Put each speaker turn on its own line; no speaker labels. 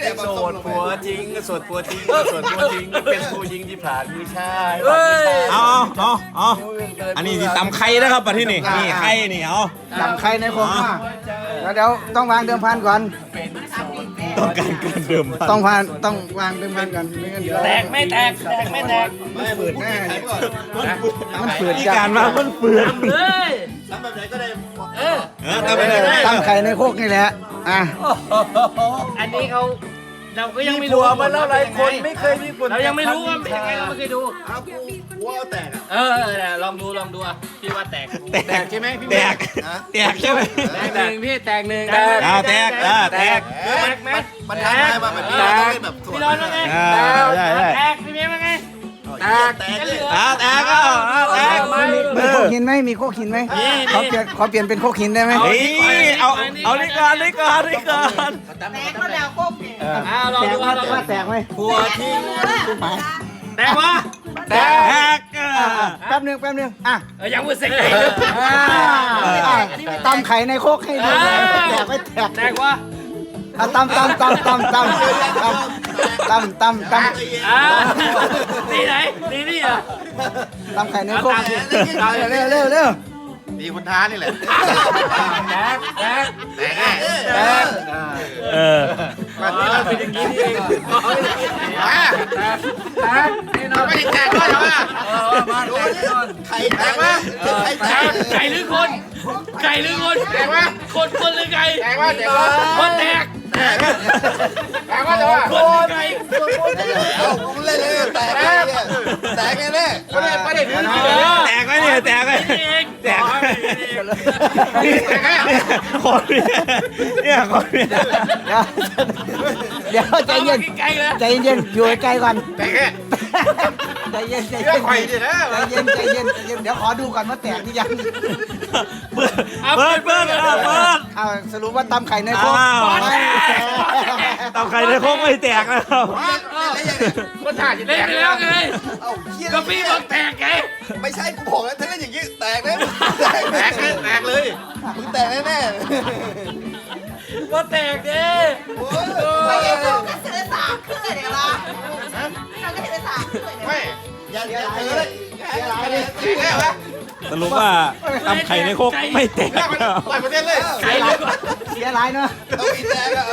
โสดผัวจริงโสดผัวจริงโสดผัวจริงเป็นผู้หญิงที่ผ่านมือชาย
เอาอันนี้ตำไข่นะครับมาที่นี่นี่ไข่นี่เอา
จำใครในโครงแล้วเดี๋ยวต้องวางเดิมพันก่อน
ต้องการการเดิมพัน
ต้องวางเดิมพันก่อนไม่งั้นเดี๋ยว
แตกไม่แตกแตกไม่แตก
มันฝืดแน่มันฝืด
ที่
จั
การมามันเปลือน
เลย
ทำไปไหน
ตั้งไข่ในโคกนี่แหละอ่ะ
อันนี้เขาเราก็ยังไม่รู้มาแล้วหลายคนไม่เคยมีเรายังไม่รู้ว่าเป็นยังไงเราไม่เคยดูลองดูอ่ะพี่ว่าแตกใช่ไหมพี่
แตกใช่ไหม
แตกหนึ่งพี่แตกหนึ่ง
เอาแตกแตก
ไหมมันท้าทายมาแบบนี้เราต้องเล่นแบบพี่ร้อนว่าไงแตกพี่เมย์ว่าไงแตกแตก
มีโคกหินไหมมีโคกหินไหมขอเปลี่ยนเป็นโคกหินได้ไหม
เอานี่ก่อน
แตกก็แล้วโคกเนี่ย
ลองดู
ว่าแตกไหม
ผัวทิ้งแตกวะ
แตก
แป๊บนึงอ่ะ
ยังมือเซ็งเลย
ตำไข่ในโคกให้ดูแตกไม่แตก
แตกวะ
ตำ
นี่ไหนนี่อ่ะ
ตำไข่ในโคกเร็ว
มีคนท้านี่แหละ
แตก
มันเป็นอย่างนี้เอง
ไม่ได้แตกด้วยเหรอไข่แตกวะ
ไก่หรือคนแตกวะคนหรือไก่
แตกวะ
คนแตก
แตกวะจะว่า
คนไก่
เอาผมเล่นเลยแตกแตกแน่ๆไม่ได้ถือ
แตกไหมเนี่ยแตกไหม
เอง
แตกคนเนี่ยคนเนี่ย
เดี๋ยวใจเย็น
ไก่เลย
ใจเย็นอยู่ใกล้ก่อน
แตกแค่
ใจเย็น
เรื่องไข่ดินะ
ใจเย็นเดี๋ยวขอดูก่อนว่าแตกหรือยัง
เปิด
เอาสรุปว่าตำไข่ในโคก
ตำไข่ในโคกไม่แตกนะครับ
คนถ่ายจะแต
เล่น
ก
ไปแล้วไง
เอ้าเฮีย
ก็พี่บอกแตกไง
ไม่ใช่กูบอกแล้วถ้าเล่นอย่างนี้แตกเลยแตกเลยมึงแตกแน่
ว่าแตกดิ
ๆ
ไม่ใช่โคกก็เสือสามขึ้นเลยเดี๋ยวละเราก็เสือสามขึ้นเลย
ไม่อย่าเจอเลยแตกแล้ววะ
สรุปว่าตำไข่ในโคกไม่แตก
ปล่อยประเด็นเลย
ไก่เลย
เสียหลายเนาะ
เอาอีแตกอะ